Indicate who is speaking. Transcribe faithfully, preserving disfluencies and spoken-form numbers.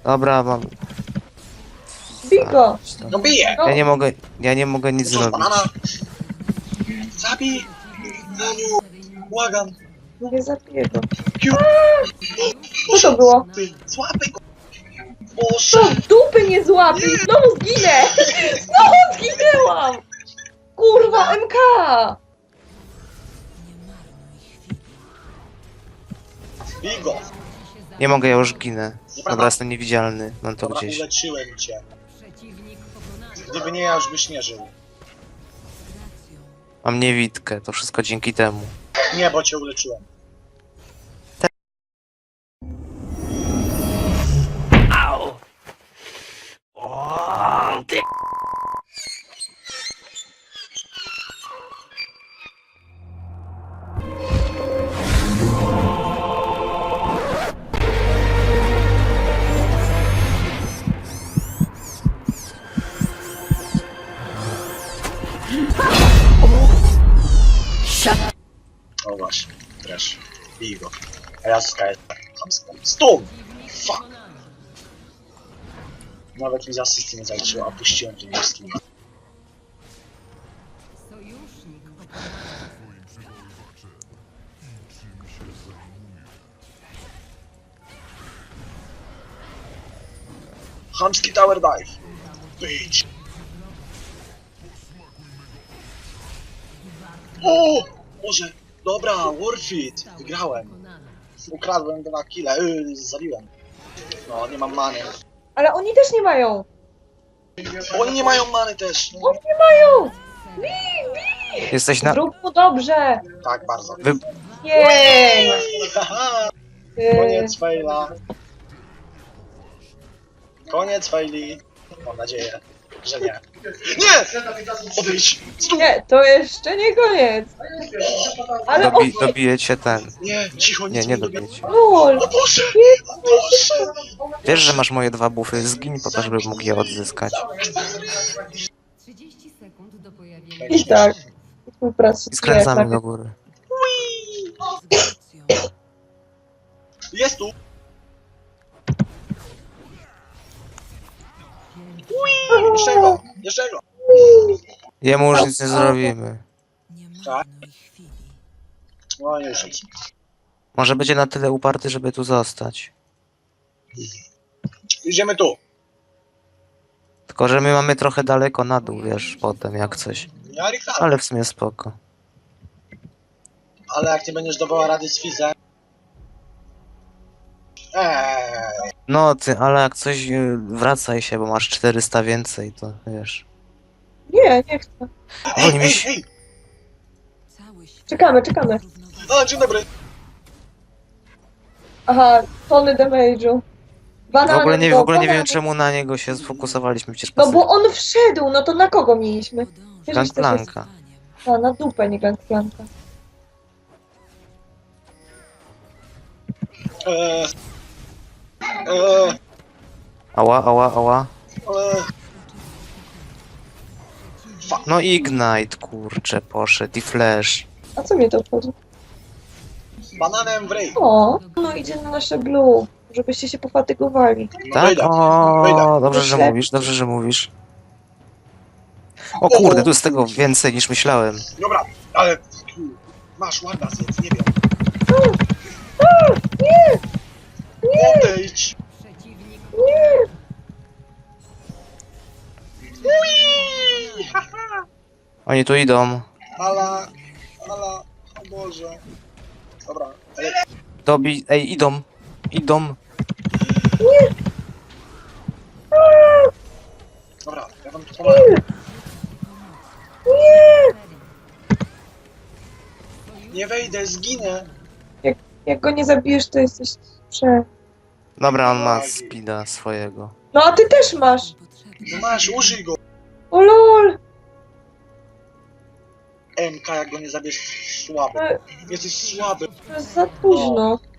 Speaker 1: Dobra, mam...
Speaker 2: Bij go!
Speaker 3: No bije!
Speaker 2: No.
Speaker 1: Ja nie mogę, ja nie mogę nic
Speaker 3: Co,
Speaker 1: zrobić.
Speaker 3: banana? Zabij! Daniu! Błagam!
Speaker 2: Nie zabiję go.
Speaker 3: Kiu!
Speaker 2: Co to było?
Speaker 3: Ty, złapaj go!
Speaker 2: Co?
Speaker 3: Boże!
Speaker 2: Dupy nie złapię! Znowu zginę! Znowu zginęłam! Kurwa, M K!
Speaker 3: Bij go!
Speaker 1: Nie mogę, ja już ginę.
Speaker 3: Nieprawda.
Speaker 1: Dobra, jestem niewidzialny. Mam to
Speaker 3: Dobra,
Speaker 1: gdzieś.
Speaker 3: uleczyłem cię. Gdyby nie, ja już byś nie żył.
Speaker 1: Mam niewidkę, to wszystko dzięki temu.
Speaker 3: Nie, bo cię uleczyłem. O właśnie, trash. Bij go. A ja skaję. Stum! Fuck! Nawet mi z asysty nie zaliczyło, a puściłem tym wszystkim. Chamski tower dive. Bitch. O! Boże! Dobra, worth it! Wygrałem. Ukradłem dwa kile, yy, zabiłem. No, nie mam many.
Speaker 2: Ale oni też nie mają!
Speaker 3: Oni nie mają many też. No.
Speaker 2: Oni nie mają! Bij, bij!
Speaker 1: Jesteś na...
Speaker 2: Zrób mu dobrze!
Speaker 3: Tak, bardzo.
Speaker 1: Wy...
Speaker 2: Jej!
Speaker 3: Haha!
Speaker 2: Yy,
Speaker 3: Koniec faila. Koniec faili. Mam nadzieję, że nie. Nie! Odejdź! Stój!
Speaker 2: Nie, to jeszcze nie koniec! Ale
Speaker 1: Dobi...
Speaker 2: o...
Speaker 1: Dobijecie ten.
Speaker 3: Nie, cicho,
Speaker 1: Nie,
Speaker 3: nic
Speaker 1: nie
Speaker 3: mi robię.
Speaker 1: dobijecie.
Speaker 2: Lol!
Speaker 3: O Boże! O Boże!
Speaker 1: Wiesz, że masz moje dwa bufy, zgiń po to, żeby mógł je odzyskać.
Speaker 4: trzydzieści sekund do pojawienia
Speaker 2: I tak. Współpracuje.
Speaker 1: I skręcamy do góry.
Speaker 3: Jest tu! Jeszcze go! Jeszcze go!
Speaker 1: Jemu już nic nie zrobimy.
Speaker 3: Tak? No już nic.
Speaker 1: Może będzie na tyle uparty, żeby tu zostać.
Speaker 3: Idziemy tu.
Speaker 1: Tylko, że my mamy trochę daleko na dół, wiesz, potem jak coś.
Speaker 3: Ja Richard.
Speaker 1: Ale w sumie spoko.
Speaker 3: Ale jak nie będziesz dawała rady z Fizem... Eee,
Speaker 1: No ty, ale jak coś, y, wracaj się, bo masz czterysta więcej, to wiesz.
Speaker 2: Nie, nie chcę.
Speaker 3: Ej,
Speaker 1: Oni mi
Speaker 3: ej,
Speaker 1: się...
Speaker 3: ej!
Speaker 2: Czekamy, czekamy.
Speaker 3: O, dzień dobry!
Speaker 2: Aha, tony damage'u.
Speaker 1: W
Speaker 2: Banany,
Speaker 1: ogóle nie, w
Speaker 2: bo
Speaker 1: ogóle nie wiem,
Speaker 2: banany.
Speaker 1: czemu na niego się sfokusowaliśmy, przecież
Speaker 2: No
Speaker 1: pasy...
Speaker 2: bo on wszedł, no to na kogo mieliśmy? Wiesz, że też jest...
Speaker 1: Gangplanka.
Speaker 2: A, na dupę, nie gangplanka.
Speaker 3: Eee, eee,
Speaker 1: Ała, ała, ała.
Speaker 3: eee.
Speaker 1: No Ignite, kurczę, poszedł i Flash.
Speaker 2: A co mnie to obchodzi?
Speaker 3: Bananem w ryj!
Speaker 2: O, no idzie na nasze blue, żebyście się pofatygowali.
Speaker 3: No
Speaker 1: Tak?
Speaker 3: wyjdę.
Speaker 1: O,
Speaker 3: Wyjdę.
Speaker 1: dobrze, że
Speaker 2: Wyślę.
Speaker 1: mówisz, dobrze, że mówisz. O kurde, tu jest tego więcej niż myślałem.
Speaker 3: Dobra, ale... tu, Masz ładna zjedz, nie wiem.
Speaker 2: Nie!
Speaker 3: Odejdź!
Speaker 2: Nie!
Speaker 3: Ui! Haha!
Speaker 1: Oni tu idą.
Speaker 3: Ala, ala, o Boże. Dobra, ale...
Speaker 1: Dobi... Ej, idą. Idą.
Speaker 3: Dobra, ja wam tu pomagam.
Speaker 2: Nie!
Speaker 3: Nie wejdę, zginę.
Speaker 2: Jak go nie zabijesz, to jesteś prze...
Speaker 1: Dobra, on ma speeda swojego.
Speaker 2: No a ty też masz!
Speaker 3: No masz, użyj go.
Speaker 2: O lol!
Speaker 3: M K, jak go nie zabierz, słaby.
Speaker 2: E,
Speaker 3: Jesteś słaby.
Speaker 2: To jest za późno.